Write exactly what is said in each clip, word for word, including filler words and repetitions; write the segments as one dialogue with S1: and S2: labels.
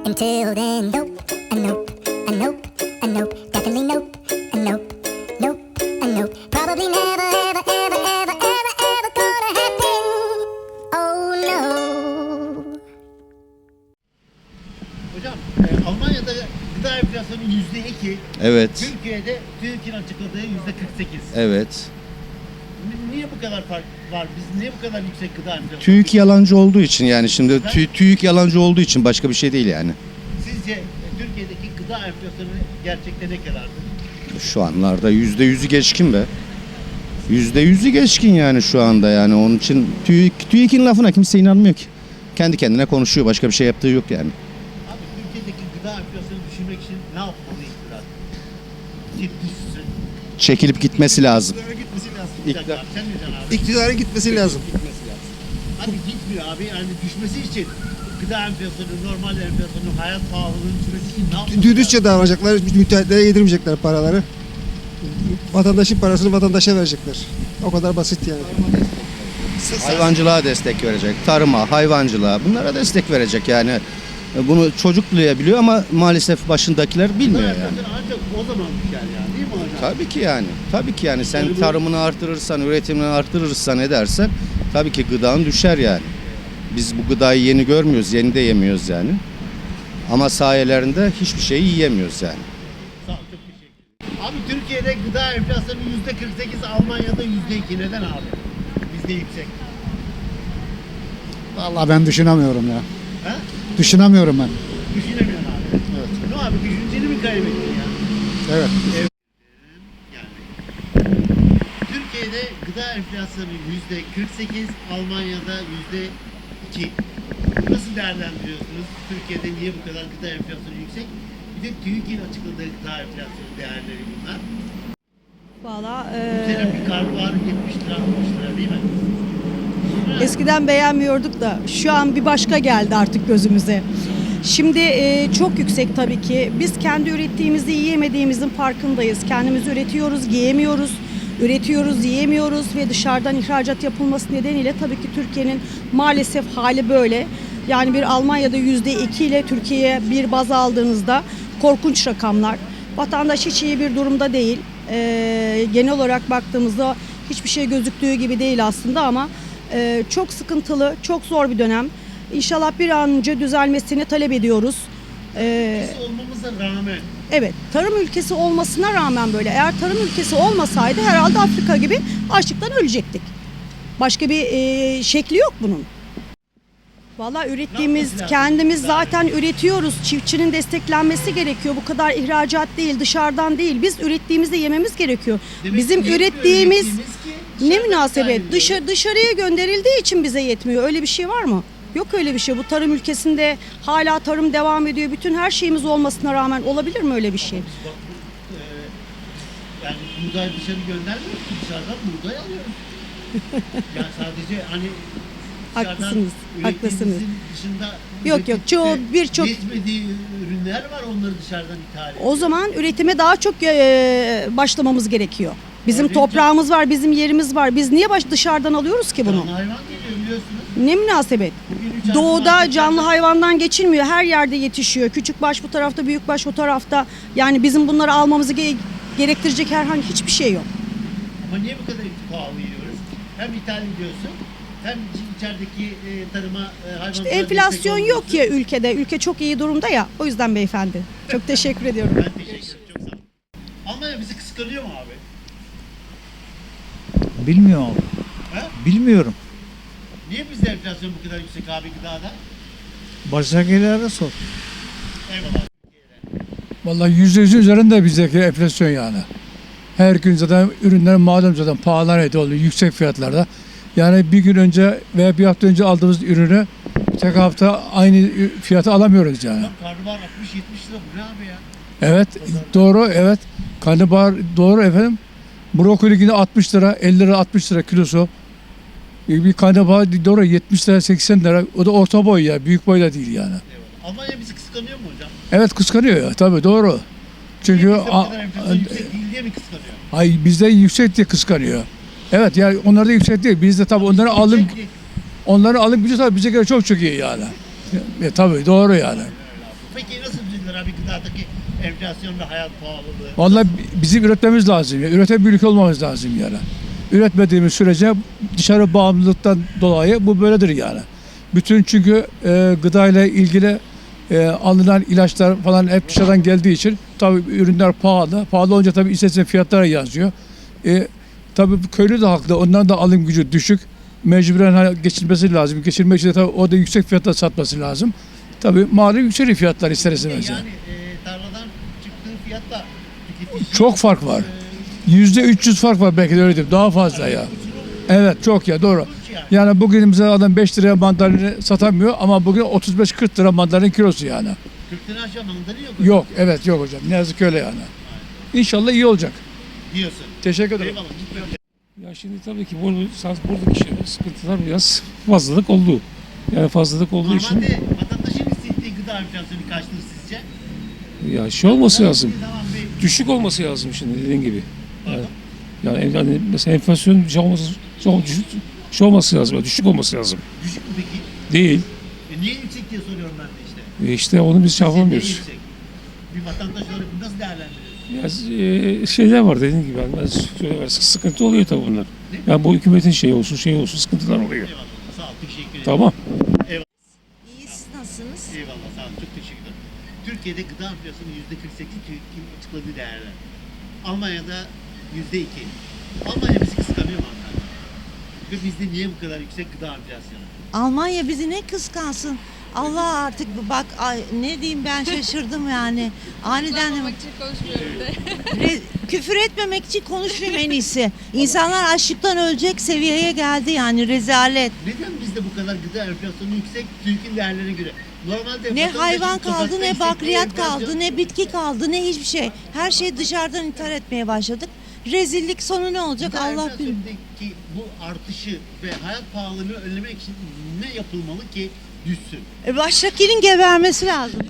S1: Until then, nope, a nope, a nope, a nope, definitely nope, a nope, nope, a nope. Probably never, ever, ever, ever, ever, ever gonna happen. Oh no.
S2: Hocam e, Almanya'da gıda enflasyonu yüzde iki.
S3: Evet,
S2: Türkiye'de TÜİK'in açıkladığı yüzde kırk sekiz.
S3: evet.
S2: Niye bu kadar fark var? Biz niye bu kadar yüksek gıda enflasyonu?
S3: TÜİK yalancı olduğu için yani şimdi tü, TÜİK yalancı olduğu için başka bir şey değil yani.
S2: Sizce e, Türkiye'deki gıda enflasyonu gerçekte ne kadardır?
S3: Şu anlarda yüzde yüzü geçkin be. Yüzde yüzü geçkin yani şu anda yani onun için TÜİK, TÜİK'in lafına kimse inanmıyor ki. Kendi kendine konuşuyor, başka bir şey yaptığı yok yani.
S2: Abi Türkiye'deki gıda enflasyonu düşürmek için ne yapmalı iktidar? Ki düşsün.
S3: Çekilip gitmesi lazım.
S2: İktidara gitmesi lazım.
S3: İktidar-
S2: İktidar. Sen ne diyorsun abi?
S4: İktidara gitmesi lazım.
S2: Abi gitmiyor abi. Yani düşmesi için gıda enflasyonu, normal enflasyonu, hayat pahalılığının düşmesi için ne yapmalı?
S4: Dürüstçe davranacaklar, müteahhitlere yedirmeyecekler paraları. Vatandaşın parasını vatandaşa verecekler. O kadar basit yani.
S3: Hayvancılığa destek verecek, tarıma, hayvancılığa bunlara destek verecek yani. Bunu çocuk duyabiliyor ama maalesef başındakiler bilmiyor
S2: Gıda
S3: yani.
S2: enflasyonu ancak o zaman düşer yani değil mi hocam?
S3: Tabii ki yani. Tabii ki yani sen
S2: Tarımı-
S3: tarımını artırırsan, üretimini artırırsan edersen tabii ki gıdan düşer yani. Biz bu gıdayı yeni görmüyoruz, yeni de yemiyoruz yani. Ama sayelerinde hiçbir şeyi yiyemiyoruz yani.
S2: Sağ ol, çok teşekkür ederim. Abi Türkiye'de gıda enflasyonu yüzde kırk sekiz, Almanya'da yüzde iki. Neden abi? Bizde yüksek.
S5: Vallahi ben düşünemiyorum ya.
S2: Ha?
S5: Düşünemiyorum ben.
S2: Düşünemiyorsun abi. Evet. Ne abi düşünceni mi kaybettin ya?
S5: Evet.
S2: Yani. Türkiye'de gıda enflasyonu yüzde kırk sekiz, Almanya'da yüzde iki. Nasıl değerlendiriyorsunuz? Türkiye'de niye bu kadar gıda enflasyonu yüksek? Bir de TÜİK'in açıkladığı gıda enflasyonu değerleri bunlar.
S6: Valla
S2: Bu sene bir karnabahar yetmiş lira altmış lira değil mi?
S6: eskiden beğenmiyorduk da şu an bir başka geldi artık gözümüze. Şimdi e, çok yüksek tabii ki. Biz kendi ürettiğimizi yiyemediğimizin farkındayız. Kendimiz üretiyoruz, yiyemiyoruz. Üretiyoruz, yiyemiyoruz ve dışarıdan ihracat yapılması nedeniyle tabii ki Türkiye'nin maalesef hali böyle. Yani bir Almanya'da yüzde iki ile Türkiye'ye bir baz aldığınızda korkunç rakamlar. Vatandaş hiç iyi bir durumda değil. Ee, genel olarak baktığımızda hiçbir şey gözüktüğü gibi değil aslında ama e, çok sıkıntılı, çok zor bir dönem. İnşallah bir an önce düzelmesini talep ediyoruz. Ee,
S2: Biz olmamıza rağmen
S6: evet, tarım ülkesi olmasına rağmen böyle. Eğer tarım ülkesi olmasaydı herhalde Afrika gibi açlıktan ölecektik. Başka bir e, şekli yok bunun. Vallahi ürettiğimiz,
S2: yapması lazım?
S6: kendimiz zaten üretiyoruz. Çiftçinin desteklenmesi gerekiyor. Bu kadar ihracat değil, dışarıdan değil. Biz ürettiğimizde yememiz gerekiyor.
S2: demek
S6: Bizim
S2: ki yetmiyor
S6: ürettiğimiz
S2: ürettiğimiz ki
S6: ne
S2: dışarıdan
S6: münasebet?
S2: ithal
S6: Dışa,
S2: ediyoruz.
S6: dışarıya gönderildiği için bize yetmiyor. Öyle bir şey var mı? Yok öyle bir şey. Bu tarım ülkesinde hala tarım devam ediyor. Bütün her şeyimiz olmasına rağmen olabilir mi öyle bir şey?
S2: Bak, bu, e, yani buğday dışarı göndermiyoruz ki, dışarıdan buğday alıyoruz. Yani sadece hani dışarıdan
S6: Haklısınız, haklısınız.
S2: ürettiğimizin dışında
S6: Yok, yok,
S2: üretip
S6: çoğu-
S2: de
S6: birçok-
S2: yetmediği ürünler var, onları dışarıdan ithal ediyoruz.
S6: O zaman üretime daha çok e, başlamamız gerekiyor. Bizim
S2: Örneğin
S6: toprağımız var, bizim yerimiz var. Biz niye baş dışarıdan alıyoruz ki bunu?
S2: Canlı hayvan geliyor biliyorsunuz.
S6: Ne münasebet?
S2: Bugün üç
S6: Doğuda
S2: artı
S6: canlı
S2: marketlerde-
S6: hayvandan geçilmiyor. Her yerde yetişiyor. Küçükbaş bu tarafta, büyükbaş o tarafta. Yani bizim bunları almamızı ge- gerektirecek herhangi hiçbir şey yok.
S2: Ama niye bu kadar pahalı yiyoruz? Hem ithal ediyorsun, hem içerideki e, tarıma, e, hayvancılığa
S6: İşte
S2: destek
S6: enflasyon yok
S2: olmuyorsun.
S6: ya ülkede. Ülke çok iyi durumda ya. O yüzden beyefendi. Çok teşekkür ediyorum.
S2: Ben teşekkür ederim, çok sağ olun. Almanya bizi kıskanıyor mu abi?
S7: Bilmiyorum abi.
S2: He?
S7: Bilmiyorum.
S2: Niye bizde enflasyon bu kadar yüksek abi gıdada?
S7: Baştakilere sor.
S2: Eyvallah.
S5: Vallahi yüzde yüzün üzerinde bizdeki enflasyon yani. Her gün zaten ürünler malum zaten pahalanıyor oluyor yüksek fiyatlarda. Yani bir gün önce veya bir hafta önce aldığımız ürünü tek hafta aynı fiyata alamıyoruz yani.
S2: Bak karnabahar altmış yetmiş lira, bu ne abi ya?
S5: Evet doğru evet. Karnabahar doğru efendim. Brokoli yine altmış lira, elli lira altmış lira kilosu. Bir karnabahar doğru yetmiş lira seksen lira. O da orta boy ya, büyük boy da değil yani.
S2: Eyvallah. Almanya bizi kıskanıyor mu hocam?
S5: Evet kıskanıyor ya tabii doğru. Çünkü
S2: Niye bizde bu
S5: a-
S2: kadar enflasyon yüksek değil diye mi kıskanıyor?
S5: ay bizde yüksek diye kıskanıyor. Evet yani onlar da yüksek değil. Bizde tabii onların alım
S2: Yüksek değil.
S5: onların alım gücü tabii bize göre çok çok iyi yani. E, tabii doğru yani.
S2: Peki mesela bir gıdadaki enflasyon ve hayat pahalılığı?
S5: Vallahi bi- bizim üretmemiz lazım. Ya. Üreten bir ülke olmamız lazım yani. Üretmediğimiz sürece dışarı bağımlılıktan dolayı bu böyledir yani. Bütün çünkü e, gıdayla ilgili e, alınan ilaçlar falan hep dışarıdan geldiği için tabii ürünler pahalı. Pahalı olunca tabii istersen fiyatlara yazıyor. E, tabii bu köylü de haklı. Onların da alım gücü düşük. Mecburen hani geçirmesi lazım. Geçirmek için de tabii o da yüksek fiyatla satması lazım. Tabii malum yükseliyor fiyatlar ister istemez.
S2: Yani e, tarladan çıktığı fiyatla tüketici...
S5: Çok fark var.
S2: e,
S5: Yüzde üç yüz fark var belki de öyle diyeyim. Daha fazla ya. Evet çok ya doğru. Yani bugün bize adam beş liraya mandalini satamıyor ama bugün otuz beş kırk lira mandalin kilosu yani.
S2: kırk lira aşağı mandalina yok.
S5: Yok evet yok hocam. Ne yazık ki öyle yani. İnşallah iyi olacak.
S2: Diyorsun.
S5: Teşekkür ederim.
S2: Eyvallah. lütfen.
S8: Ya şimdi tabii ki bu buradaki şeyler, sıkıntılar biraz fazlalık oldu. Yani fazlalık olduğu için
S2: Normalde vatandaşın hissettiği gıda enflasyonu kaçtır sizce?
S8: ya şey olması lazım.
S2: Tamam bir
S8: Düşük olması lazım şimdi dediğin gibi. Yani, yani, yani mesela enflasyon şey olması, şey, düşük, şey olması lazım. Yani düşük olması lazım.
S2: düşük mü peki?
S8: Değil.
S2: E niye yüksek diye soruyorum ben de işte.
S8: E işte onu biz şey
S2: Sizce niye
S8: yapamıyoruz.
S2: yüksek? Bir vatandaş olarak bunu nasıl değerlendiriyorsunuz?
S8: Ya, e, şeyler var dediğin gibi. Yani, ben söyleyeyim, sıkıntı oluyor tabii bunlar. Yani bu hükümetin şeyi olsun, şey olsun sıkıntılar oluyor.
S2: Eyvallah. Sağ ol. Teşekkür ederim.
S8: Tamam.
S9: İyi, siz nasılsınız?
S2: Eyvallah. Sağ ol. Çok teşekkür ederim. Türkiye'de gıda enflasyonu yüzde kırk sekiz TÜİK'in açıkladığı değerler. Almanya'da yüzde iki. Almanya bizi kıskanıyor mu anlar? Ve bizde niye bu kadar yüksek gıda enflasyonu?
S9: Almanya bizi ne kıskansın? Allah artık bak ay, ne diyeyim ben şaşırdım yani. Aniden Re- küfür etmemek için konuşmayayım en iyisi. İnsanlar açlıktan ölecek seviyeye geldi yani rezalet.
S2: Neden bizde bu kadar gıda enflasyonu yüksek TÜİK'in değerlerine göre? Normalde
S9: Ne
S2: vatandaşın
S9: hayvan kaldı,
S2: sokakta
S9: ne
S2: hissettiği
S9: bakliyat
S2: enflasyon-
S9: kaldı, ne bitki kaldı, ne hiçbir şey. Her şeyi dışarıdan ithal etmeye başladık. Rezillik sonu ne olacak
S2: Gıda
S9: Allah bilir.
S2: enflasyonundaki bu artışı ve hayat pahalılığını önlemek için ne yapılmalı ki düşsün?
S9: E, Baştakinin gebermesi lazım.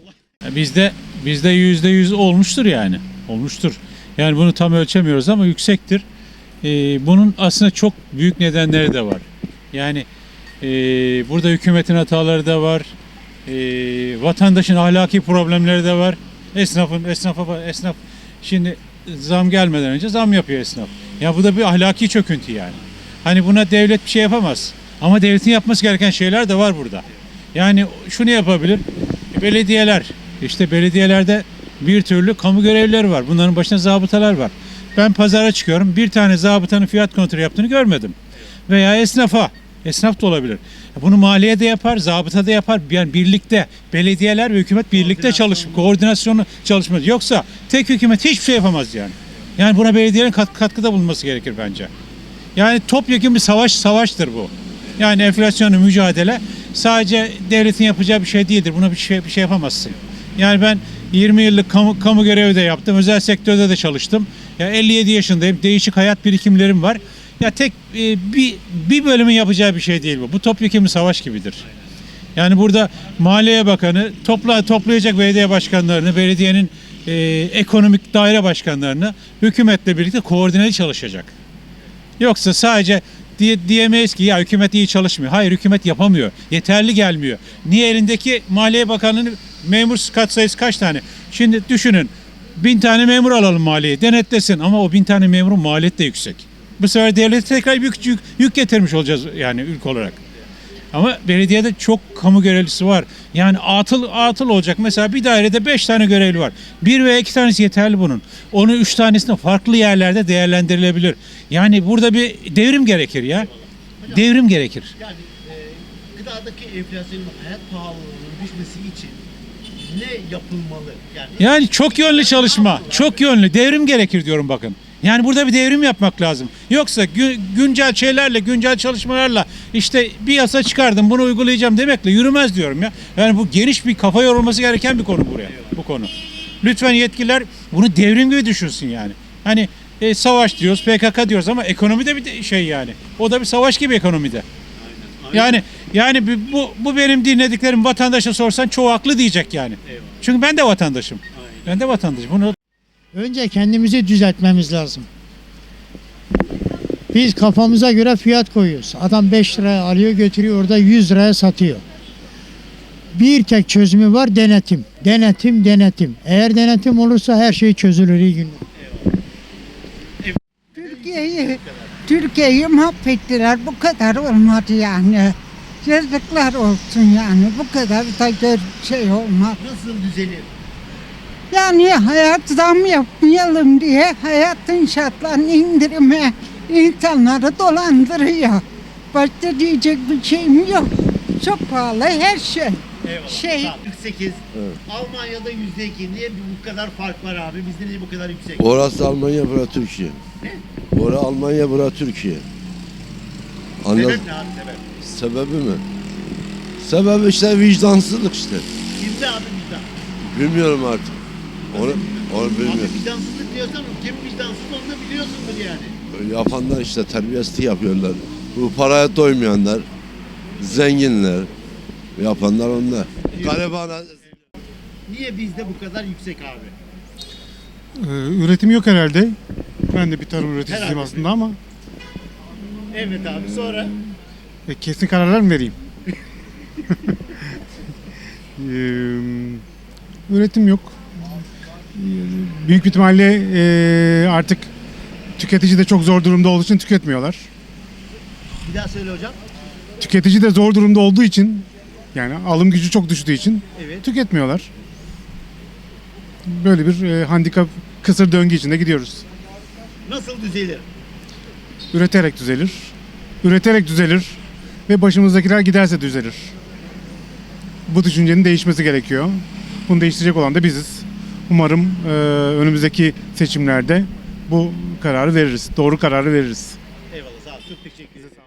S10: Bizde bizde yüzde yüz olmuştur yani. Olmuştur. Yani bunu tam ölçemiyoruz ama yüksektir. Ee, bunun aslında çok büyük nedenleri de var. Yani e, burada hükümetin hataları da var. E, vatandaşın ahlaki problemleri de var. Esnafın esnafa esnaf şimdi zam gelmeden önce zam yapıyor esnaf. Ya bu da bir ahlaki çöküntü yani. Hani buna devlet bir şey yapamaz. Ama devletin yapması gereken şeyler de var burada. Yani şunu yapabilir. Belediyeler, işte belediyelerde bir türlü kamu görevlileri var. Bunların başında zabıtalar var. Ben pazara çıkıyorum. Bir tane zabıtanın fiyat kontrolü yaptığını görmedim. Veya esnafa. Esnaf da olabilir. Bunu maliye de yapar, zabıta da yapar. Yani birlikte belediyeler ve hükümet birlikte çalışıp koordinasyonu çalışması. Yoksa tek hükümet hiçbir şey yapamaz yani. Yani buna belediyenin kat, katkıda bulunması gerekir bence. Yani topyekun bir savaş savaştır bu. Yani enflasyonla mücadele sadece devletin yapacağı bir şey değildir. Buna bir şey bir şey yapamazsın. Yani ben yirmi yıllık kamu, kamu görevi de yaptım. Özel sektörde de çalıştım. Ya elli yedi yaşındayım. Değişik hayat birikimlerim var. Ya tek e, bir bir bölümün yapacağı bir şey değil bu. Bu topyekun bir savaş gibidir. Yani burada Maliye Bakanı topla toplayacak belediye başkanlarını, belediyenin e, ekonomik daire başkanlarını hükümetle birlikte koordineli çalışacak. Yoksa sadece diye, diyemeyiz ki ya hükümet iyi çalışmıyor. Hayır hükümet yapamıyor. Yeterli gelmiyor. Niye elindeki Maliye Bakanı'nın memur katsayısı kaç tane? Şimdi düşünün bin tane memur alalım maliye denetlesin ama o bin tane memurun maliyeti de yüksek. Bu sefer devlete tekrar yük, yük, yük getirmiş olacağız yani ülke olarak. Ama belediyede çok kamu görevlisi var. Yani atıl atıl olacak. Mesela bir dairede beş tane görevli var. Bir veya iki tanesi yeterli bunun. Onu üç tanesinde farklı yerlerde değerlendirilebilir. Yani burada bir devrim gerekir ya. Devrim gerekir.
S2: Yani e, gıdadaki enflasyonun hayat pahalılığının düşmesi için ne yapılmalı? Yani,
S10: Yani çok yönlü çalışma. Çok yönlü. Devrim gerekir diyorum bakın. Yani burada bir devrim yapmak lazım. Yoksa gü- güncel şeylerle, güncel çalışmalarla işte bir yasa çıkardım bunu uygulayacağım demekle yürümez diyorum ya. Yani bu geniş bir kafa yorulması gereken bir konu buraya. Bu konu. Lütfen yetkililer bunu devrim gibi düşünsün yani. Hani e, savaş diyoruz, P K K diyoruz ama ekonomide bir de şey yani. O da bir savaş gibi ekonomide. Yani yani bu- bu bu benim dinlediklerim vatandaşa sorsan çoğu haklı diyecek yani. Çünkü ben de vatandaşım. Ben de vatandaşım. Bunu
S7: Önce kendimizi düzeltmemiz lazım. Biz kafamıza göre fiyat koyuyoruz. Adam beş liraya alıyor götürüyor orada yüz liraya satıyor. Bir tek çözümü var, denetim. Denetim, denetim. Eğer denetim olursa her şey çözülür. İyi günler.
S11: Türkiye'yi Türkiye'yi mahvettiler. Bu kadar olmadı yani. Yazıklar olsun yani. Bu kadar da gör- şey olmaz.
S2: Nasıl düzelir?
S11: Yani hayat zam yapmayalım diye hayatın şartlarını indirime insanları dolandırıyor. Başka diyecek bir şeyim yok. Çok pahalı her şey.
S2: Eyvallah.
S11: Şey-
S2: Tamam, kırk sekiz. Almanya'da yüzde iki. Niye bu kadar fark var abi? Bizde niye bu kadar yüksek?
S12: Orası Almanya, bura Türkiye.
S2: Ne?
S12: Orası Almanya, bura Türkiye. Anladın?
S2: Sebep ne abi sebep?
S12: Sebebi mi? Sebebi işte vicdansızlık işte.
S2: Kimde abi vicdan?
S12: Bilmiyorum artık. Onu, onu bilmiyorum.
S2: Abi vicdansızlık diyorsan kim vicdansız onu da biliyorsundur yani.
S12: Yapanlar işte terbiyesizlik yapıyorlar. Bu paraya doymayanlar, zenginler, yapanlar onlar. Galibana
S2: Niye bizde bu kadar yüksek abi?
S13: üretim yok herhalde. Ben de bir tarım üreticisiyim
S2: Herhalde.
S13: aslında ama
S2: Evet abi sonra?
S13: e, kesin kararlar mı vereyim? Ee, üretim yok. Ee, Büyük bir ihtimalle e, artık tüketici de çok zor durumda olduğu için tüketmiyorlar.
S2: Bir daha söyle hocam.
S13: Tüketici de zor durumda olduğu için, yani alım gücü çok düştüğü için
S2: Evet.
S13: tüketmiyorlar. Böyle bir e, handikap, kısır döngü içinde gidiyoruz.
S2: Nasıl düzelir?
S13: Üreterek düzelir. Üreterek düzelir ve başımızdakiler giderse düzelir. Bu düşüncenin değişmesi gerekiyor. Bunu değiştirecek olan da biziz. Umarım e, önümüzdeki seçimlerde bu kararı veririz. Doğru kararı veririz.
S2: Eyvallah sağ ol. Çok teşekkür ederim.